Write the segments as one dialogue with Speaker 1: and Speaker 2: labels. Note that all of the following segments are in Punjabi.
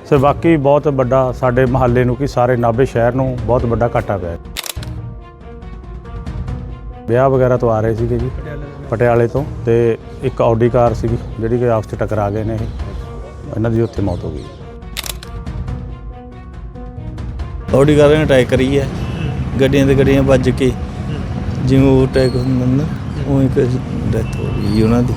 Speaker 1: ਸੋ ਬਾਕੀ ਬਹੁਤ ਵੱਡਾ ਸਾਡੇ ਮਹੱਲੇ ਨੂੰ ਕਿ ਸਾਰੇ ਨਾਭੇ ਸ਼ਹਿਰ ਨੂੰ ਬਹੁਤ ਵੱਡਾ ਘਾਟਾ ਪਿਆ। ਵਿਆਹ ਵਗੈਰਾ ਤੋਂ ਆ ਰਹੇ ਸੀਗੇ ਜੀ ਪਟਿਆਲੇ ਤੋਂ, ਤੇ ਇੱਕ ਆਡੀ ਕਾਰ ਸੀਗੀ ਜਿਹੜੀ ਕਿ ਆਪਸ 'ਚ ਟਕਰਾ ਗਏ ਨੇ। ਇਹਨਾਂ ਦੀ ਉੱਥੇ ਮੌਤ ਹੋ ਗਈ।
Speaker 2: ਆਡੀ ਕਾਰ ਨੇ ਅਟੈਕ ਕਰੀ ਹੈ, ਗੱਡੀਆਂ ਤੇ ਗੱਡੀਆਂ ਵੱਜ ਕੇ ਜਿਵੇਂ ਉਹ ਅਟੈਕ ਹੁੰਦਾ ਨਾ ਉਵੇਂ ਇੱਕ ਡੈਥ ਹੋ ਗਈ ਉਹਨਾਂ ਦੀ।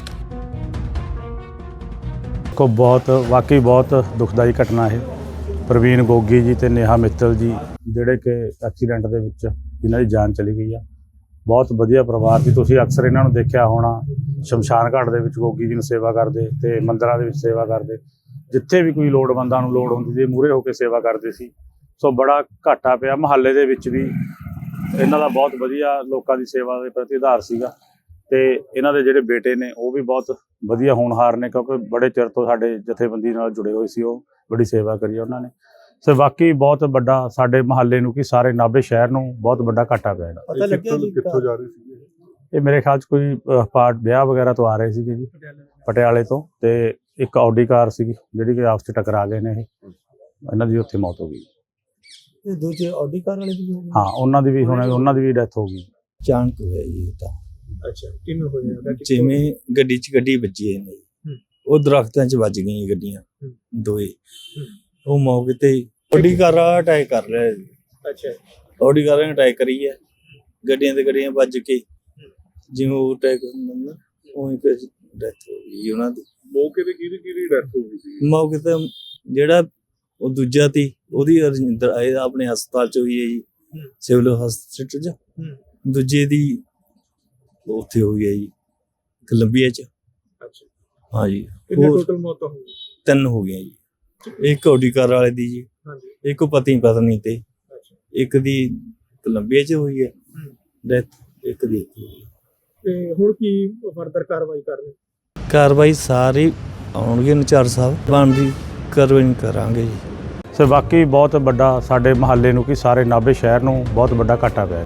Speaker 1: ਕੋ ਬਹੁਤ ਵਾਕਈ ਬਹੁਤ ਦੁਖਦਾਈ ਘਟਨਾ ਇਹ। ਪ੍ਰਵੀਨ ਗੋਗੀ ਜੀ ਤੇ ਨੇਹਾ ਮਿੱਤਲ ਜੀ ਜਿਹੜੇ ਕਿ ਐਕਸੀਡੈਂਟ ਦੇ ਵਿੱਚ ਜਿਨ੍ਹਾਂ ਦੀ ਜਾਨ ਚਲੀ ਗਈ ਆ। ਬਹੁਤ ਵਧੀਆ ਪਰਿਵਾਰ ਸੀ। ਤੁਸੀਂ ਅਕਸਰ ਇਹਨਾਂ ਨੂੰ ਦੇਖਿਆ ਹੋਣਾ, ਸ਼ਮਸ਼ਾਨ ਘਾਟ ਦੇ ਵਿੱਚ ਗੋਗੀ ਜੀ ਨੂੰ ਸੇਵਾ ਕਰਦੇ ਤੇ ਮੰਦਿਰਾਂ ਦੇ ਵਿੱਚ ਸੇਵਾ ਕਰਦੇ। ਜਿੱਥੇ ਵੀ ਕੋਈ ਲੋੜਵੰਦਾਂ ਨੂੰ ਲੋੜ ਹੁੰਦੀ ਸੀ ਮੂਹਰੇ ਹੋ ਕੇ ਸੇਵਾ ਕਰਦੇ ਸੀ। ਸੋ ਬੜਾ ਘਾਟਾ ਪਿਆ। ਮੁਹੱਲੇ ਦੇ ਵਿੱਚ ਵੀ ਇਹਨਾਂ ਦਾ ਬਹੁਤ ਵਧੀਆ ਲੋਕਾਂ ਦੀ ਸੇਵਾ ਦੇ ਪ੍ਰਤੀ ਆਧਾਰ ਸੀਗਾ। ਤੇ ਇਹਨਾਂ ਦੇ ਜਿਹੜੇ ਬੇਟੇ ਨੇ ਉਹ ਵੀ ਬਹੁਤ ਵਧੀਆ ਹੋਣਹਾਰ ਨੇ, ਕਿਉਂਕਿ ਬੜੇ ਚਿਰ ਤੋਂ ਸਾਡੇ ਜਥੇਬੰਦੀ ਨਾਲ ਜੁੜੇ ਹੋਏ ਸੀ। ਉਹ ਬੜੀ ਸੇਵਾ ਕਰੀ ਉਹਨਾਂ ਨੇ। ਸੋ ਬਾਕੀ ਬਹੁਤ ਵੱਡਾ ਸਾਡੇ ਮੁਹੱਲੇ ਨੂੰ ਕਿ ਸਾਰੇ ਨਾਭੇ ਸ਼ਹਿਰ ਨੂੰ ਬਹੁਤ ਵੱਡਾ ਘਾਟਾ ਪਿਆ।
Speaker 3: ਪਤਾ ਲੱਗਿਆ ਜੀ ਕਿੱਥੋਂ ਜਾ ਰਹੇ ਸੀ
Speaker 1: ਇਹ ਮੇਰੇ ਖਿਆਲ 'ਚ ਕੋਈ ਪਾਰਟ ਵਿਆਹ ਵਗੈਰਾ ਤੋਂ ਆ ਰਹੇ ਸੀਗੇ ਜੀ ਪਟਿਆਲੇ ਤੋਂ, ਤੇ ਇੱਕ ਆਡੀ ਕਾਰ ਸੀਗੀ ਜਿਹੜੀ ਕਿ ਆਪਸ 'ਚ ਟਕਰਾ ਗਏ ਨੇ। ਇਹਨਾਂ ਦੀ ਉੱਥੇ ਮੌਤ ਹੋ ਗਈ।
Speaker 3: ਇਹ ਦੂਜੇ ਆਡੀ ਕਾਰ ਵਾਲੇ ਦੀ ਹੋ ਗਈ?
Speaker 1: ਹਾਂ, ਉਹਨਾਂ ਦੀ ਵੀ ਉਹਨਾਂ ਦੀ ਵੀ ਡੈਥ ਹੋ ਗਈ।
Speaker 2: ਅਚਾਨਕ ਹੋਇਆ ਜੀ ਇਹ ਤਾਂ।
Speaker 3: ਅੱਛਾ, ਕਿਵੇਂ ਹੋਇਆ?
Speaker 2: ਜਿਵੇਂ ਗੱਡੀ 'ਚ ਗੱਡੀ ਵੱਜੀ ਹੈ ਨਹੀਂ, ਉਹ ਦਰਖਤਾਂ 'ਚ ਵੱਜ ਗਈਆਂ ਗੱਡੀਆਂ ਦੋਏ। ਉਹ ਮੌਕੇ ਤੇ ਆਡੀ ਕਾਰ ਅਟੈਕ ਕਰ ਰਿਹਾ ਜੀ।
Speaker 3: ਅੱਛਾ,
Speaker 2: ਆਡੀ ਕਾਰ ਨੇ ਅਟੈਕ ਕਰੀ ਹੈ, ਗੱਡੀਆਂ ਤੇ ਗੱਡੀਆਂ ਵੱਜ ਕੇ ਜਿਵੇਂ ਉਹ ਅਟੈਕ ਹੁੰਦਾ ਨਾ ਉਵੇਂ ਇੱਕ ਡੈਥ ਹੋ ਗਈ ਉਹਨਾਂ ਦੀ।
Speaker 3: ਮੌਕੇ ਤੇ ਕਿਹਦੀ ਡੈਥ ਹੋ ਗਈ ਸੀ?
Speaker 2: ਮੌਕੇ ਤੇ ਜਿਹੜਾ ਉਹ ਦੂਜਾ ਤੀ ਉਹਦੀ ਰਜਿੰਦਰ ਆਏ ਆਪਣੇ ਹਸਪਤਾਲ 'ਚ ਹੋਈ ਹੈ ਜੀ, ਸਿਵਲ ਹਸਪਤਾਲ 'ਚ। ਦੂਜੇ ਦੀ ਉੱਥੇ ਹੋਈ ਹੈ ਜੀ ਕੋਲੰਬੀਆ 'ਚ।
Speaker 3: ਅੱਛਾ,
Speaker 2: ਹਾਂ ਜੀ।
Speaker 3: ਕਿੰਨੇ ਟੋਟਲ ਮੌਤਾਂ ਹੋ ਗਈਆਂ?
Speaker 2: 3 ਹੋ ਗਈਆਂ ਜੀ। ਇੱਕ ਆਡੀ ਕਾਰ ਵਾਲੇ ਦੀ ਜੀ, ਇੱਕ ਪਤੀ ਪਤਨੀ ਤੇ, ਇੱਕ ਦੀ ਕੋਲੰਬੀਆ 'ਚ ਹੋਈ ਹੈ ਡੈਥ, ਇੱਕ ਦੀ।
Speaker 3: ਤੇ ਹੁਣ ਕੀ ਫਰਦਰ ਕਾਰਵਾਈ ਕਰਨੀ?
Speaker 2: ਕਾਰਵਾਈ ਸਾਰੀ ਆਉਣਗੇ ਨਚਾਰ ਸਾਹਿਬ, ਬਣਦੀ ਕਾਰਵਾਈ ਕਰਾਂਗੇ ਜੀ।
Speaker 1: ਸੋ ਬਾਕੀ ਬਹੁਤ ਵੱਡਾ ਸਾਡੇ ਮੁਹੱਲੇ ਨੂੰ ਕਿ ਸਾਰੇ ਨਾਭੇ ਸ਼ਹਿਰ ਨੂੰ ਬਹੁਤ ਵੱਡਾ ਘਾਟਾ ਪਿਆ।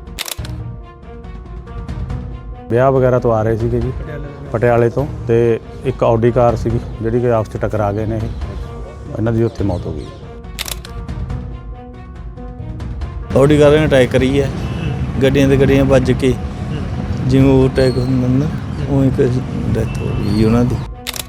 Speaker 1: ਵਿਆਹ ਵਗੈਰਾ ਤੋਂ ਆ ਰਹੇ ਸੀਗੇ ਜੀ ਪਟਿਆਲੇ ਤੋਂ, ਤੇ ਇੱਕ ਆਡੀ ਕਾਰ ਸੀਗੀ ਜਿਹੜੀ ਕਿ ਆਪਸ 'ਚ ਟਕਰਾ ਗਏ ਨੇ। ਇਹਨਾਂ ਦੀ ਉੱਥੇ ਮੌਤ ਹੋ ਗਈ।
Speaker 2: ਆਡੀ ਕਾਰ ਨੇ ਅਟੈਕ ਕਰੀ ਹੈ, ਗੱਡੀਆਂ ਤੇ ਗੱਡੀਆਂ ਵੱਜ ਕੇ ਜਿਵੇਂ ਉਹ ਅਟੈਕ ਹੁੰਦਾ ਨਾ ਉਵੇਂ ਇੱਕ ਡੈਥ ਹੋ ਗਈ ਉਹਨਾਂ ਦੀ।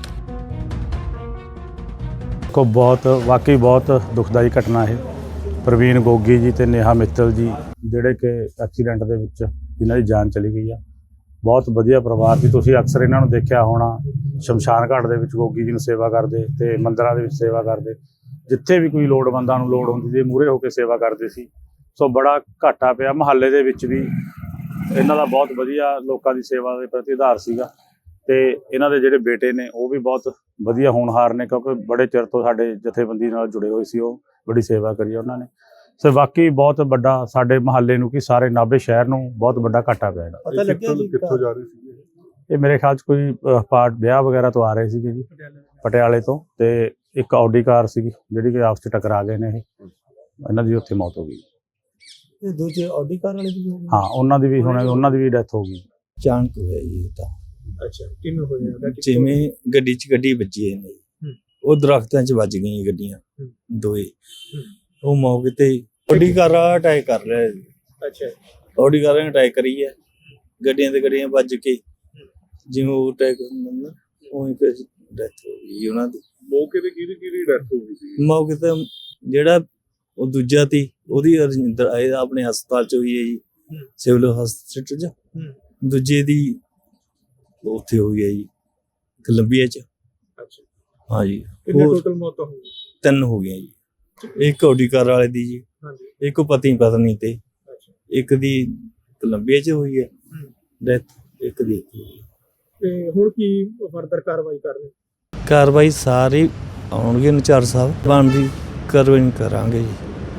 Speaker 1: ਕੋ ਬਹੁਤ ਵਾਕਈ ਬਹੁਤ ਦੁਖਦਾਈ ਘਟਨਾ ਇਹ। ਪ੍ਰਵੀਨ ਗੋਗੀ ਜੀ ਤੇ ਨੇਹਾ ਮਿੱਤਲ ਜੀ ਜਿਹੜੇ ਕਿ ਐਕਸੀਡੈਂਟ ਦੇ ਵਿੱਚ ਜਿਨ੍ਹਾਂ ਦੀ ਜਾਨ ਚਲੀ ਗਈ ਆ। ਬਹੁਤ ਵਧੀਆ ਪਰਿਵਾਰ ਸੀ। ਤੁਸੀਂ ਅਕਸਰ ਇਹਨਾਂ ਨੂੰ ਦੇਖਿਆ ਹੋਣਾ, ਸ਼ਮਸ਼ਾਨ ਘਾਟ ਦੇ ਵਿੱਚ ਗੋਗੀ ਜੀ ਨੂੰ ਸੇਵਾ ਕਰਦੇ ਤੇ ਮੰਦਿਰਾਂ ਦੇ ਵਿੱਚ ਸੇਵਾ ਕਰਦੇ। ਜਿੱਥੇ ਵੀ ਕੋਈ ਲੋੜਵੰਦਾਂ ਨੂੰ ਲੋੜ ਹੁੰਦੀ ਸੀ ਮੂਹਰੇ ਹੋ ਕੇ ਸੇਵਾ ਕਰਦੇ ਸੀ। ਸੋ ਬੜਾ ਘਾਟਾ ਪਿਆ। ਮੁਹੱਲੇ ਦੇ ਵਿੱਚ ਵੀ ਇਹਨਾਂ ਦਾ ਬਹੁਤ ਵਧੀਆ ਲੋਕਾਂ ਦੀ ਸੇਵਾ ਦੇ ਪ੍ਰਤੀ ਆਧਾਰ ਸੀਗਾ। ਤੇ ਇਹਨਾਂ ਦੇ ਜਿਹੜੇ ਬੇਟੇ ਨੇ ਉਹ ਵੀ ਬਹੁਤ ਵਧੀਆ ਹੋਣਹਾਰ ਨੇ, ਕਿਉਂਕਿ ਬੜੇ ਚਿਰ ਤੋਂ ਸਾਡੇ ਜਥੇਬੰਦੀ ਨਾਲ ਜੁੜੇ ਹੋਏ ਸੀ। ਉਹ ਬੜੀ ਸੇਵਾ ਕਰੀ ਉਹਨਾਂ ਨੇ। ਸੋ ਬਾਕੀ ਬਹੁਤ ਵੱਡਾ ਸਾਡੇ ਮੁਹੱਲੇ ਨੂੰ ਕਿ ਸਾਰੇ ਨਾਭੇ ਸ਼ਹਿਰ ਨੂੰ ਬਹੁਤ ਵੱਡਾ ਘਾਟਾ ਪਿਆ।
Speaker 3: ਪਤਾ ਲੱਗਿਆ ਜੀ
Speaker 4: ਕਿੱਥੋਂ ਜਾ ਰਹੇ ਸੀ
Speaker 1: ਇਹ ਮੇਰੇ ਖਿਆਲ 'ਚ ਕੋਈ ਪਾਰਟ ਵਿਆਹ ਵਗੈਰਾ ਤੋਂ ਆ ਰਹੇ ਸੀਗੇ ਜੀ ਪਟਿਆਲੇ ਤੋਂ, ਤੇ ਇੱਕ ਆਡੀ ਕਾਰ ਸੀਗੀ ਜਿਹੜੀ ਕਿ ਆਪਸ 'ਚ ਟਕਰਾ ਗਏ ਨੇ। ਇਹਨਾਂ ਦੀ ਉੱਥੇ ਮੌਤ ਹੋ ਗਈ।
Speaker 3: ਇਹ ਦੂਜੇ ਆਡੀ ਕਾਰ ਵਾਲੇ ਦੀ ਹੋ ਗਈ?
Speaker 1: ਹਾਂ, ਉਹਨਾਂ ਦੀ ਵੀ ਡੈਥ ਹੋ ਗਈ।
Speaker 2: ਅਚਾਨਕ ਹੋਇਆ ਜੀ ਇਹ ਤਾਂ।
Speaker 3: ਅੱਛਾ, ਕਿਵੇਂ ਹੋਇਆ?
Speaker 2: ਜਿਵੇਂ ਗੱਡੀ 'ਚ ਗੱਡੀ ਵੱਜੀ ਹੈ ਨਹੀਂ, ਉਹ ਦਰਖਤਾਂ 'ਚ ਵੱਜ ਗਈਆਂ ਗੱਡੀਆਂ ਦੋਏ। ਉਹ ਮੌਕੇ ਤੇ ਆਡੀ ਕਾਰ ਅਟੈਕ ਕਰ ਰਿਹਾ ਜੀ।
Speaker 3: ਅੱਛਾ,
Speaker 2: ਆਡੀ ਕਾਰ ਨੇ ਅਟੈਕ ਕਰੀ ਹੈ, ਗੱਡੀਆਂ ਤੇ ਗੱਡੀਆਂ ਵੱਜ ਕੇ ਜਿਵੇਂ ਉਹ ਅਟੈਕ ਹੁੰਦਾ ਨਾ ਉਵੇਂ ਇੱਕ ਡੈਥ ਹੋ ਗਈ ਉਹਨਾਂ ਦੀ।
Speaker 4: ਮੌਕੇ ਤੇ ਕਿਹਦੀ ਡੈਥ ਹੋ ਗਈ ਸੀ?
Speaker 2: ਮੌਕੇ ਤੇ ਜਿਹੜਾ ਉਹ ਦੂਜਾ ਤੀ ਉਹਦੀ ਰਜਿੰਦਰ ਆਏ ਆਪਣੇ ਹਸਪਤਾਲ 'ਚ ਹੋਈ ਹੈ ਜੀ, ਸਿਵਲ ਹਸਪਤਾਲ 'ਚ। ਦੂਜੇ ਦੀ ਉੱਥੇ ਹੋਈ ਹੈ ਜੀ ਕੋਲੰਬੀਆ 'ਚ।
Speaker 3: ਅੱਛਾ,
Speaker 2: ਹਾਂ ਜੀ।
Speaker 3: ਕਿੰਨੇ ਟੋਟਲ ਮੌਤਾਂ ਹੋ ਗਈਆਂ?
Speaker 2: 3 ਹੋ ਗਈਆਂ ਜੀ। ਇੱਕ ਆਡੀ ਕਾਰ ਵਾਲੇ ਦੀ ਜੀ, ਇੱਕ ਪਤੀ ਪਤਨੀ ਤੇ, ਇੱਕ ਦੀ ਕੋਲੰਬੀਆ 'ਚ ਹੋਈ ਹੈ ਡੈਥ, ਇੱਕ ਦੀ।
Speaker 3: ਤੇ ਹੁਣ ਕੀ ਫਰਦਰ ਕਾਰਵਾਈ ਕਰਨੀ?
Speaker 2: ਕਾਰਵਾਈ ਸਾਰੀ ਆਉਣਗੇ ਨਚਾਰ ਸਾਹਿਬ, ਬਣਦੀ ਕਾਰਵਾਈ ਕਰਾਂਗੇ ਜੀ।